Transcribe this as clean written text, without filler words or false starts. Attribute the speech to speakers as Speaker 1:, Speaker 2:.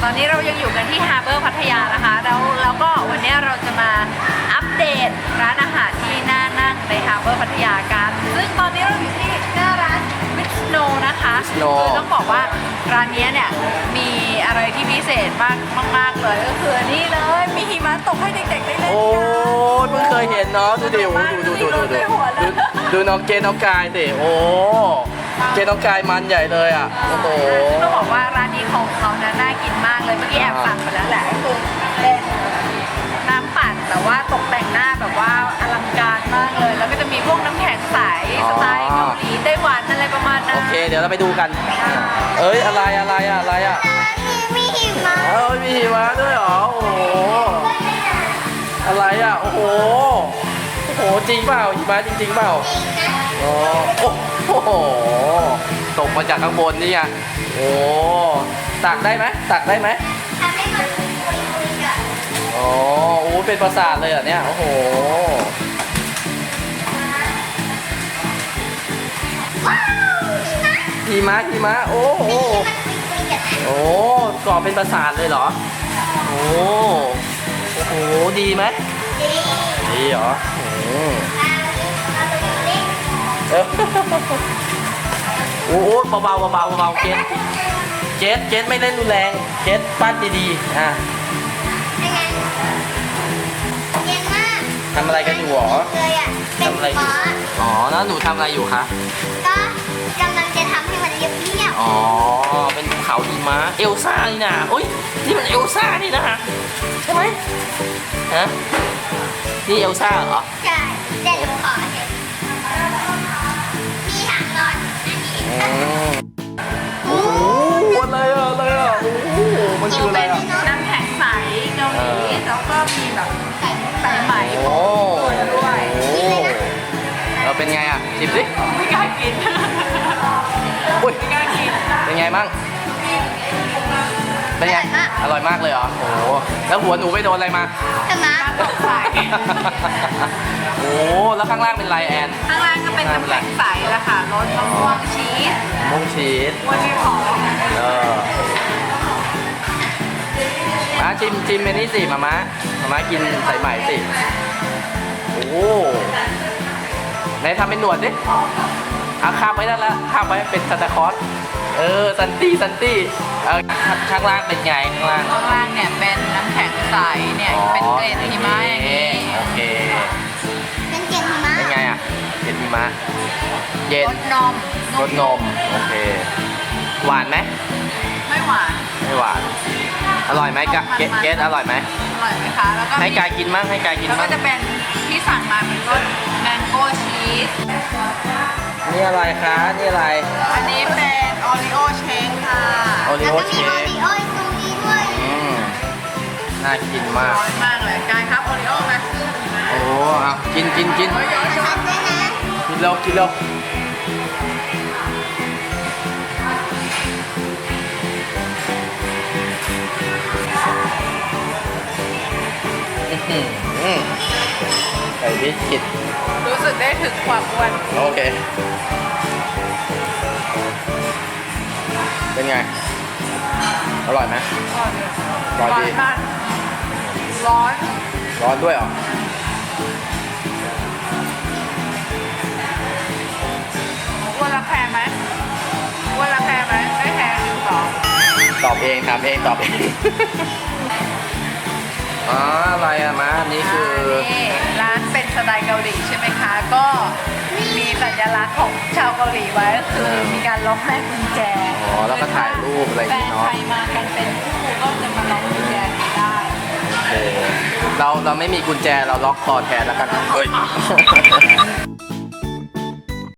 Speaker 1: ตอนนี้เรายังอยู่กันที่ฮาร์เบอร์พัทยานะคะแล้วก็วันนี้เราจะมาอัปเดตร้านอาหารที่น่านั่งในฮาร์เบอร์พัทยากันซึ่งตอนนี้เราอยู่ที่หน้าร้านวิชโนนะคะคือต้องบอกว่าร้านนี้เนี่ยมีอะไรที่พิเศษมากเลยก็คือนี่เลยมีหิมะตกให้เด็กๆได้เล่นกัน
Speaker 2: โอ้ยเพิ่งเคยเห็นเนาะดูดิดูน้องเกน้องกายสิโอ้เกน้องกายมันใหญ่เลยอ่ะโอ้โห
Speaker 1: ต้องบอกว่าร้านนี้ของเขานะน่ากินมากเลยเมื่อกี้แอบสั่งไปแล้วแหละก็คือเป็นน้ำปั่นแต่ว่าตกแต่งหน้าแบบว่าอลังการมากเลยแล้วก็จะมีพวกน้ำแข็งใสสไตล์เกาหลีไต้หวันอะไรประมาณนั้น
Speaker 2: โอเคเดี๋ยวเราไปดูกันเอ้ยอะไรอ่ะ
Speaker 3: มีหิมะ
Speaker 2: มีหิมะด้วยเหรอโอ้โหอะไรอ่ะโอ้โหจริงเปล่าหิมะจริงเปล่าโอ้โหตกมาจากข้างบนนี่ไงโอ้ตักได้ไหม
Speaker 3: ทำให้มันคุยกัน
Speaker 2: โอ้เป็นปราสาทเลยเหรอเนี่ยโอ้โหหิมะโอ้โหก่อเป็นปราสาทเลยเหรอโอ้โหดีไหมดีเหรอโอ้โหเบาเกสไม่เล่นรุนแรงเกสปั้นดีๆอ่ะทำอะไรกันอยู่หรอทำอะไรอยู่อ๋อแล้วหนูทำอะไรอยู่คะ
Speaker 3: ก็กำลังจะทำให้มันเรียบ
Speaker 2: อ๋อเป็นภูเขาหิมะเอลซ่านี่นะโอ้ยนี่มันเอลซ่านี่นะใช่ไหมฮะนี่เอลซ่าเหรอ
Speaker 3: ใช่เด็ดขอเห็นมีถังนอนอันนี้
Speaker 2: โอ้โหอะไรอ่ะโอ้โหมันคืออะไรอ่ะ
Speaker 1: น้ำแข็งใสเกาหลีแล้วก็มีแบบใส่ไหม
Speaker 2: โอ้
Speaker 1: ด้วย
Speaker 2: เราเป็นไงอ่ะชิมสิ
Speaker 1: ไม่กล้ากิน
Speaker 2: อุ้ยเป็นไงมั่งเป็นไงอร่อยมากเลยเหรอโอ้โหแล้วหัวหนูไปโดนอะไรมา
Speaker 3: หิมะ
Speaker 1: ตกใส่
Speaker 2: โอ้แล้วข้างล่างเป็นไรแอน
Speaker 1: ข้างล่างก็เป็นน้ำแข็งใสละค่ะรสมะม่วงชีสวันนี้หอม
Speaker 2: ชิมเมนี่สิมาม่ากินใส่ใหม่สิโอ้ไหนทำเป็นหนวดดิข้ามไปได้แล้วข้ามไปเป็นซันตาคลอสซันตี้ข้างล่างเป็นไงข้าง
Speaker 1: ล่างเนี่ยเป็นน้ำแข็งใสเนี่ยเป็นเกล็ดหิมะอย่างนี้
Speaker 2: โอเค
Speaker 3: เป็นเกล็ดหิมะ
Speaker 2: เป็นไงอ่ะเกล็ดหิมะเย็นรสนมโอเคหวานไหม
Speaker 1: ไม่หวาน
Speaker 2: อร่อยไหมเกสอร่อยไหม
Speaker 1: คะแล้วก็
Speaker 2: ให้กายกินมั่ง
Speaker 1: แล้วก็จะเป็นที่สั่งมาเป็นรสแมงโก้ชีส
Speaker 2: นี่อะไรคะนี่อะไร
Speaker 1: อันนี้เป็นโอริโอเชคค่ะ
Speaker 2: โอริโอเชค
Speaker 3: แล้วก็มีโอริโอตรงนี้ด้วย
Speaker 2: น่ากินมาก
Speaker 1: ร้อนมากเลยกายครับโอริโอไหม
Speaker 2: โอ้กิน
Speaker 3: ทำด้วยนะ
Speaker 2: กินแล้วใส่บิสกิต
Speaker 1: รู้สึกได้ถึงความอ้วน
Speaker 2: โอเคเป็นไงอร่อยไหมอร่อยดีร้อนด้วยเหรอ
Speaker 1: อ้วนละแพงไหมได้แพงหรือเปล่า
Speaker 2: ตอบเองถามเองตอบเองอะไรอะมาอันนี้คือ
Speaker 1: ร้านเป็นสไตล์เกาหลีใช่ไหมคะก็มีสัญลักษณ์ของชาวเกาหลีไว้ก็คือมีการล็อกแม่กุญแจ
Speaker 2: แล้วก็ถ่ายรูปอะไรอย่างเงี้ยเนาะ
Speaker 1: แฟนใครมากันเป็นคู่ก็จะมาล็อกกุญแจได้
Speaker 2: โอเคเราไม่มีกุญแจเราล็อกคอแทนแล้วกันเฮ้ย